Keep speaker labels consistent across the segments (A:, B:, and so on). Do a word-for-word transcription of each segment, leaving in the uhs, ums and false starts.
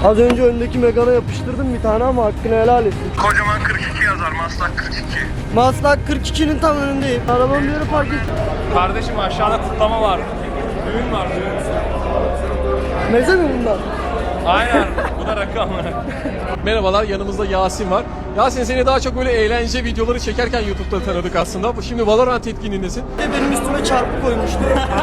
A: Az önce öndeki Megane'a yapıştırdım bir tane ama hakkını helal etsin.
B: Kocaman kırk iki yazar, Maslak kırk iki.
A: Maslak kırk ikinin tam önündeyim. Arabamı bir yere park ettim.
C: Kardeşim aşağıda kutlama var. Düğün var, düğün.
A: Meze mi bunlar?
C: Aynen, bu da rakam.
D: Merhabalar, yanımızda Yasin var. Yasin, seni daha çok böyle eğlence videoları çekerken YouTube'da tanıdık aslında. Şimdi Valorant etkinliğindesin.
A: Benim üstüme çarpı koymuştu.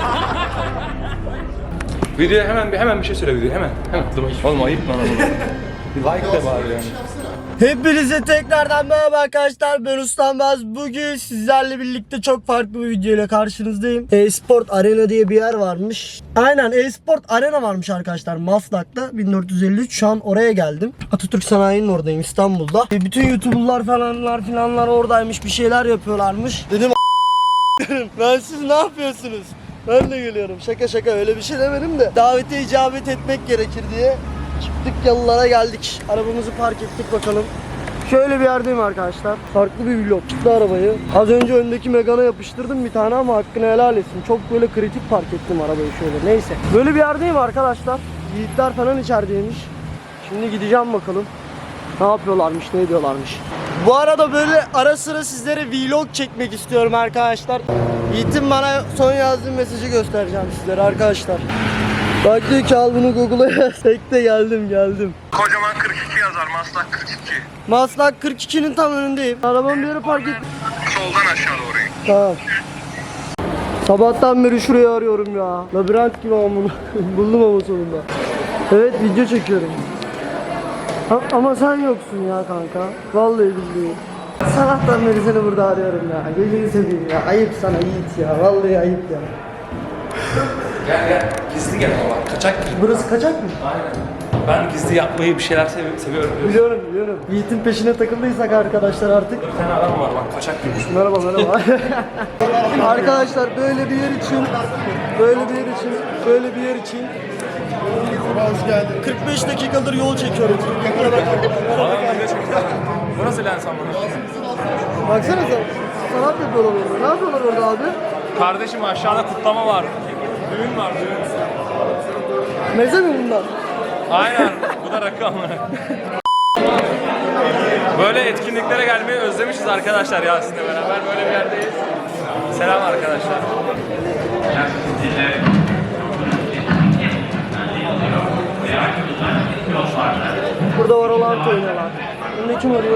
C: Videoya hemen bir hemen bir şey söyle video hemen. Hemen. Olma ayıp lan oğlum. Bir like de var yani.
A: Hepinize tekrardan merhaba arkadaşlar, ben Ustam Baz. Bugün sizlerle birlikte çok farklı bir video ile karşınızdayım. E-Sport Arena diye bir yer varmış. Aynen, E-Sport Arena varmış arkadaşlar Maslak'ta, bin dört yüz elli üç. Şu an oraya geldim. Atatürk Sanayi'nin oradayım, İstanbul'da. E, bütün YouTuber'lar falanlar filanlar oradaymış, bir şeyler yapıyorlarmış. Dedim ben siz ne yapıyorsunuz? Ben de geliyorum. Şaka şaka, öyle bir şey demedim de. Davete icabet etmek gerekir diye çıktık, yalılara geldik. Arabamızı park ettik bakalım. Şöyle bir yerdeyim arkadaşlar. Farklı bir vlog. Çıktı arabayı. Az önce öndeki Megane'a yapıştırdım bir tane ama hakkını helal etsin. Çok böyle kritik park ettim arabayı şöyle. Neyse. Böyle bir yerdeyim arkadaşlar. Yiğitler falan içerideymiş. Şimdi gideceğim bakalım. Ne yapıyorlarmış, ne ediyorlarmış. Bu arada böyle ara sıra sizlere vlog çekmek istiyorum arkadaşlar. Yiğit'in bana son yazdığı mesajı göstereceğim sizlere arkadaşlar. Bak diyor ki al bunu Google'a yaz. Tek de geldim geldim.
B: Kocaman kırk iki yazar, Maslak kırk iki.
A: Maslak kırk ikinin tam önündeyim. Arabamı bir yere park ettim.
B: Soldan aşağı doğru in.
A: Tamam. Sabahtan beri şurayı arıyorum ya. Labirent gibi ama bunu buldum ama sonunda. Evet, video çekiyorum. Ha, ama sen yoksun ya kanka. Vallahi billahi. Sabahtan beri seni burada arıyorum ya. Gözünü seveyim ya. Ayıp sana Yiğit ya. Vallahi ayıp ya.
C: Gel gel, gizli gel ama kaçak gibi.
A: Burası kaçak mı?
C: Aynen. Ben gizli yapmayı bir şeyler sev seviyorum biliyorsun.
A: Biliyorum biliyorum. Yiğit'in peşine takıldıysak arkadaşlar artık.
C: Bir tane adam var bak, kaçak gibi.
A: Merhaba merhaba. Arkadaşlar böyle bir yer için, böyle bir yer için, böyle bir yer için hoş geldin. kırk beş dakikadır yol çekiyorum.
C: Adam video çekiyor. Bu nasıl lens amına?
A: Baksana sen. Sanat yapıyorlar orada. Ne yapıyorlar orada abi?
C: Kardeşim aşağıda kutlama var. Düğün var, düğün.
A: Meze mi bunlar?
C: Aynen, bu da rakam. Böyle etkinliklere gelmeyi özlemişiz arkadaşlar Yasin'le beraber. Böyle bir yerdeyiz. Selam arkadaşlar.
A: Burada var olan oynuyorlar. Bunu kim arıyor?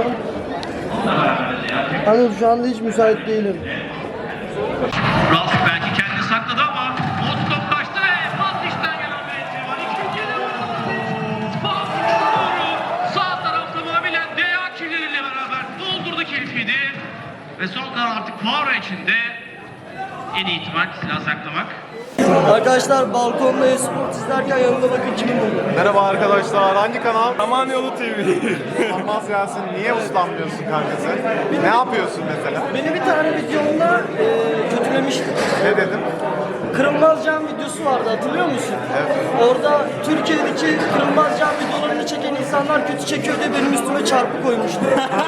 A: Hani şu anda hiç müsait değilim.
E: Ralf belki kendini sakladı ama o top kaçtı ve Fatih'ten gelen bir etki var. İkinci yarı. Fatih doğru. Sağ taraf tamamıyla Deya kirleriyle beraber doldurdu keyfiydi. Ve son kalan artık Poirot içinde en iyi ihtimal silah saklamak.
A: Arkadaşlar balkonda e-sport izlerken yanımda bakın kimin oluyor.
F: Merhaba arkadaşlar, hangi kanal?
C: Samanyolu T V.
F: Sanmaz Yasin, niye uslanmıyorsun kankası? Ne yapıyorsun mesela?
A: Beni bir tane videomda e, kötülemişti.
F: Ne dedim?
A: Kırılmaz Cam videosu vardı, hatırlıyor musun?
F: Evet.
A: Orada Türkiye'deki Kırılmaz Cam videolarını çeken insanlar kötü çekiyor diye benim üstüme çarpı koymuştu.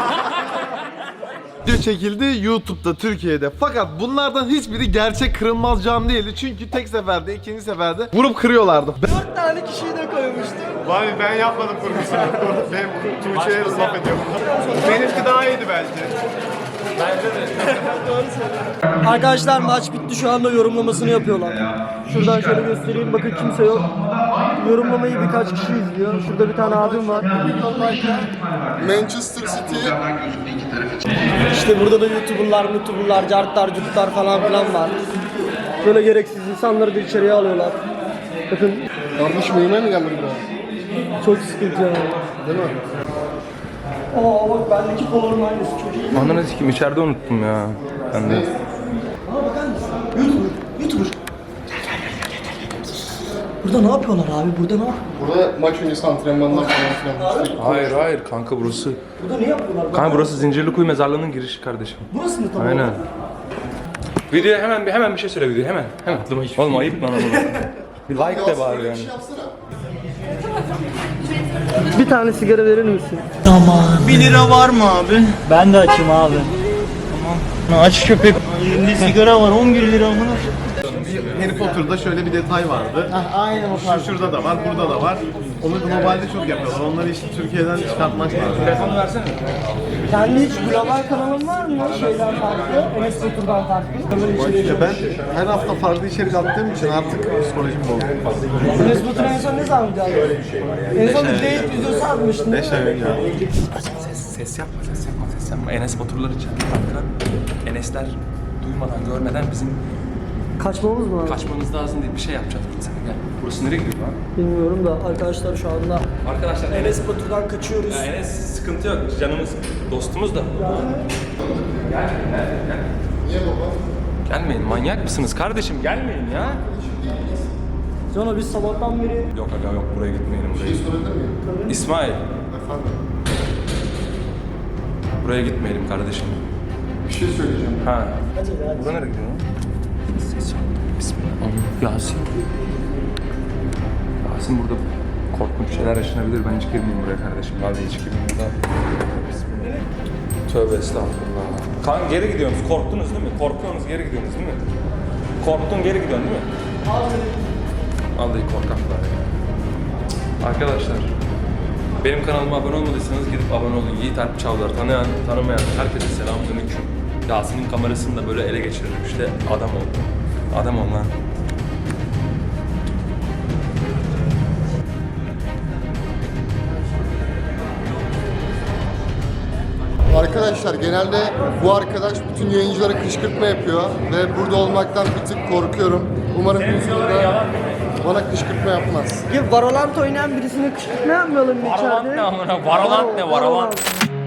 F: Video çekildi YouTube'da Türkiye'de. Fakat bunlardan hiçbiri gerçek kırılmaz cam değildi. Çünkü tek seferde, ikinci seferde vurup kırıyorlardı.
A: Dört tane kişiyi de koymuştu.
F: Vay ben yapmadım kurgusunu. Ben Tuğçe'ye laf ediyorum. Benimki daha iyiydi belki.
A: Arkadaşlar maç bitti, şu anda yorumlamasını yapıyorlar. Şuradan şöyle göstereyim, bakın kimse yok. Yorumlamayı birkaç kişi izliyor. Şurada bir tane abim var.
F: Manchester City.
A: İşte burada da YouTuber'lar, YouTuber'lar, cartlar, cutlar falan filan var. Böyle gereksiz insanları da içeriye alıyorlar. Bakın.
F: Kardeşim uyumaya mı geldin buraya?
A: Çok sıkıntı yani.
F: Değil mi?
A: Aa bak, bendeki polo'nun aynısı, çok iyi.
C: Ananı sikeyim, içeride unuttum ya. Ben de.
A: Aa bakar mısın? YouTuber, YouTuber. Gel gel gel gel gel gel. Burada ne yapıyorlar abi? Burada ne yapıyorlar?
F: Burada maç öncesi antrenmanlar falan filan.
C: Hayır hayır kanka, burası.
A: Burada ne yapıyorlar?
C: Kanka burası Zincirlikuyu mezarlığının girişi kardeşim.
A: Burası mı tam
C: Aynen.
A: olarak?
C: Videoya hemen bir hemen bir şey söyle video hemen. Hemen. Oğlum ayıp lan oğlum. Bir like de var yani.
A: Bir tane sigara verir misin?
G: bir lira var mı abi? Ben de açım abi. Tamam. Aç köpek. Elinde sigara var on bir lira mı?
F: Harry Potter'da şöyle bir detay vardı.
A: Ah, aynen o
F: Şu
A: tarz.
F: şurada da var, burada da var. Onu globalde çok yapıyorlar. Onları işte Türkiye'den çıkartmak lazım.
C: Telefonu versene.
A: Kendi hiç global kanalın var mı? Şeyden farklı, Enes Batur'dan farklı.
F: İşte ben her hafta farklı içerik attığım için artık psikolojim bozuldu.
A: Enes Batur en son ne zaman video attı? En son bir date videosu atmıştın.
F: beş ay önce.
C: Ses, ses yapma, ses yapma, ses yapma. Enes Baturlar için. Kanka, Enesler duymadan, görmeden bizim
A: Kaçmamız mı lazım?
C: kaçmamız lazım diye bir şey yapacağız. Sen gel. Burası nereye gidiyor lan?
A: Bilmiyorum da arkadaşlar şu anda
C: Arkadaşlar Enes,
A: Enes Batur'dan kaçıyoruz.
C: ya Enes sıkıntı yok. Canımız, dostumuz da. Gel, gel, gel.
F: Niye baba?
C: Gelmeyin, manyak mısınız kardeşim? Gelmeyin ya.
A: Sonra biz sabahtan beri
C: Yok aga yok, buraya gitmeyelim. Buraya.
F: Sorabilir miyim?
C: İsmail,
F: Efendim?
C: buraya gitmeyelim kardeşim.
F: Bir şey söyleyeceğim.
C: Ha.
A: hadi hadi.
C: Burada nereye gidiyor lan? Ses yok. Bismillah. Allah. Yasin. Yasin burada korkunç şeyler yaşanabilir. Ben hiç girmeyeyim buraya kardeşim. Vallahi hiç girmeyeyim daha. Bismillah. Tövbe estağfurullah. Kan geri gidiyorsunuz. Korktunuz değil mi? Korkuyorsunuz, geri gidiyorsunuz değil mi? Korktun, geri gidiyorsun değil mi? Vallahi korkaklar ya. Arkadaşlar, benim kanalıma abone olmadıysanız gidip abone olun. Yiğit Alp Çavdar, tanıyan, tanımayan herkese selamünaleyküm. Yasin'in kamerasını da böyle ele geçirdim işte. Adam oldu. Adam ol lan.
H: Arkadaşlar genelde bu arkadaş bütün yayıncılara kışkırtma yapıyor ve burada olmaktan bir tık korkuyorum. Umarım YouTube'da bana kışkırtma yapmaz.
A: Ya Valorant oynayan birisine kışkırtma yapmayalım mı içeride?
C: Valorant ne amına? Valorant ne? Valorant.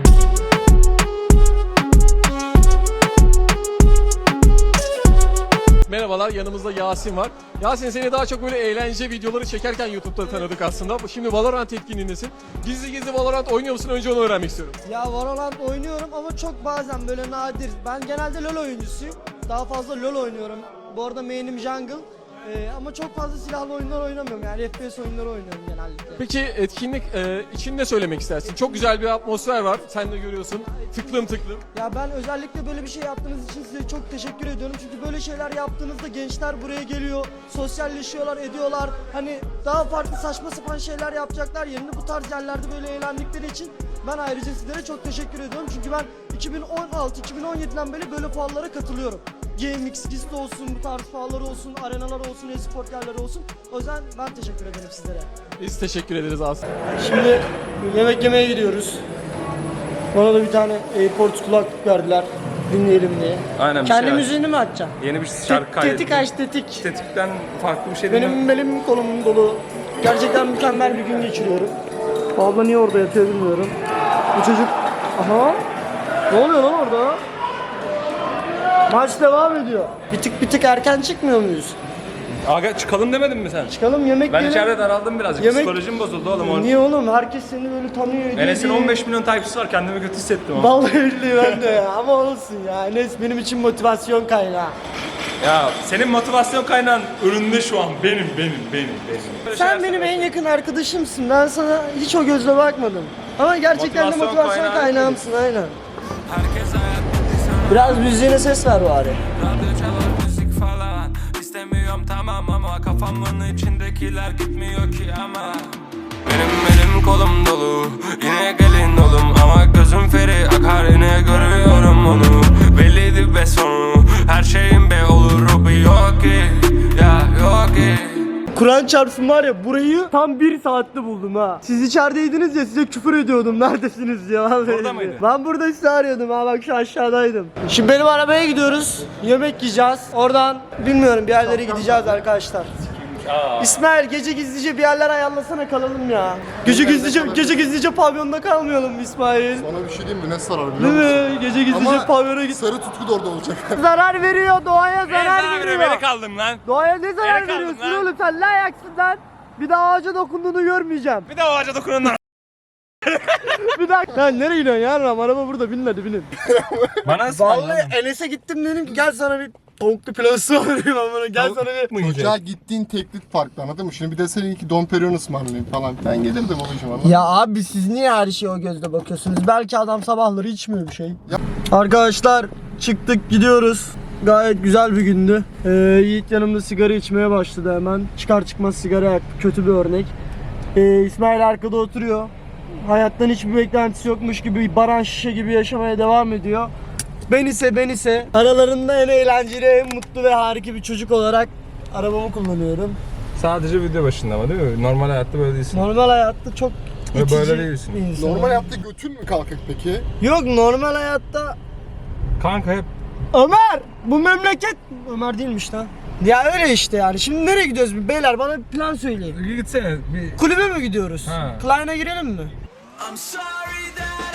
D: Merhabalar, yanımızda Yasin var. Yasin, seni daha çok böyle eğlence videoları çekerken YouTube'da tanıdık aslında. Şimdi Valorant etkinliğindesin. Gizli gizli Valorant oynuyor musun? Önce onu öğrenmek istiyorum.
A: Ya Valorant oynuyorum ama çok bazen böyle nadir. Ben genelde LoL oyuncusuyum. Daha fazla LoL oynuyorum. Bu arada main'im jungle. Ee, ama çok fazla silahlı oyunlar oynamıyorum. Yani F P S oyunları oynuyorum genellikle.
D: Peki etkinlik e, için ne söylemek istersin? Çok güzel bir atmosfer var. Sen de görüyorsun. Tıklım tıklım.
A: Ya ben özellikle böyle bir şey yaptığınız için size çok teşekkür ediyorum. Çünkü böyle şeyler yaptığınızda gençler buraya geliyor, sosyalleşiyorlar, ediyorlar. Hani daha farklı saçma sapan şeyler yapacaklar yerine bu tarz yerlerde böyle eğlendikleri için ben ayrıca sizlere çok teşekkür ediyorum. Çünkü ben iki bin on altı iki bin on yediden beri böyle fuarlara katılıyorum. GameX, Gist olsun, bu tarz fuarlar olsun, arenalar olsun, e-sport yerleri olsun. O yüzden ben teşekkür ederim sizlere.
D: Biz teşekkür ederiz aslında.
A: Şimdi yemek yemeye gidiyoruz. Bana da bir tane AirPods kulaklık verdiler. Dinleyelim diye.
C: Aynen, bir
A: Kendi
C: şey aç.
A: müziğini mi açacaksın?
C: Yeni bir şarkı
A: Tet-
C: kaydettim.
A: Tetik aç tetik.
C: Tetikten farklı bir şey değil mi?
A: Benim belim kolum dolu. Gerçekten mükemmel bir gün geçiriyorum. Abla niye orada yatıyor bilmiyorum. Bu çocuk... Aha. Ne oluyor lan orada? Maç devam ediyor. Bir tık bir tık erken çıkmıyor muyuz?
C: Aga çıkalım demedin mi sen?
A: Çıkalım yemek
C: Ben
A: yiyelim.
C: içeride daraldım birazcık.
A: Yemek-
C: Psikolojim bozuldu oğlum. Or-
A: Niye oğlum? Herkes seni böyle tanıyor. ediyor
C: Enes'in
A: diye.
C: on beş milyon takipçisi var. Kendimi kötü hissettim ama.
A: Vallahi billahi ben de ya. Ama olsun ya. Enes benim için motivasyon kaynağı.
C: Ya senin motivasyon kaynağın önünde şu an. Benim, benim, benim, benim. Böyle
A: Sen
C: şeyler
A: benim
C: söyle.
A: en yakın arkadaşımsın. Ben sana hiç o gözle bakmadım. Ama gerçekten de
C: Motivasyon
A: motivasyon
C: kaynağı
A: kaynağımsın aynen. Biraz müziğine ses ver bari.
I: Radyo çalar müzik falan İstemiyorum tamam ama kafamın içindekiler gitmiyor ki ama Benim elim kolum dolu Yine gelin oğlum ama gözüm feri akar yine görüyorum onu Belliydi be sonu her şeyin be olur o bir yok ki Ya yok ki
A: Kur'an çarpsın var ya burayı tam bir saatte buldum ha. Siz içerideydiniz ya size küfür ediyordum neredesiniz diye. Vallahi
C: Burada mıydın?
A: Ben burada sizi arıyordum ha bak şu aşağıdaydım. Şimdi benim arabaya gidiyoruz. Yemek yiyeceğiz. Oradan bilmiyorum bir yerlere gideceğiz arkadaşlar. İsmail gece gizlice bir yerler ayarlasana kalalım ya. Gece gizlice gece gizlice pavyonda kalmayalım mı İsmail?
H: Sana bir şey diyeyim mi? Ne sarar biliyor
A: Değil
H: musun?
A: mi? Gece gizlice
H: Ama
A: pavyona git.
H: sarı tutku da orada olacak.
A: Zarar veriyor doğaya zarar veriyor.
C: Beni kaldım lan.
A: Doğaya ne zarar
C: Nereye kaldın
A: veriyorsun
C: lan?
A: oğlum sen ne ayaksın lan? Bir daha ağaca dokunduğunu görmeyeceğim.
C: Bir de o ağaca dokunun lan.
A: Bir dakika. Lan nereye gidiyorsun ya? Araba burada bin hadi binin.
C: Bana
A: Vallahi Enes'e gittim dedim ki gel sana bir tavuklu pilav ısmarlayayım ben bana. Gel sana bir...
H: Ocağa gittiğin teklif farklı anladın mı? Şimdi bir de senin ki Dom Perignon ısmarlayayım falan. Ben gelirdim babacığım anladın mı?
A: Ya abi siz niye her şeye o gözle bakıyorsunuz? Belki adam sabahları içmiyor bir şey. Arkadaşlar çıktık gidiyoruz. Gayet güzel bir gündü. Ee, Yiğit yanımda sigara içmeye başladı hemen. Çıkar çıkmaz sigara yaktı. Kötü bir örnek. Ee, İsmail arkada oturuyor. Hayattan hiçbir beklentisi yokmuş gibi baran şişe gibi yaşamaya devam ediyor. Ben ise ben ise aralarında en eğlenceli, en mutlu ve harika bir çocuk olarak arabamı kullanıyorum.
C: Sadece video başında ama değil mi? Normal hayatta böyle değilsin.
A: Normal hayatta çok
C: Ve
A: itici
C: böyle değilsin.
A: bir insan.
H: Normal hayatta götün mü kalkık peki?
A: Yok, normal hayatta
C: Kanka hep
A: Ömer! Bu memleket... Ömer değilmiş lan. Ya öyle işte yani. Şimdi nereye gidiyoruz? Beyler bana bir plan söyleyin.
C: gitsene bir
A: Kulübe mi gidiyoruz?
C: Ha.
A: Klein'e girelim mi?
I: I'm sorry that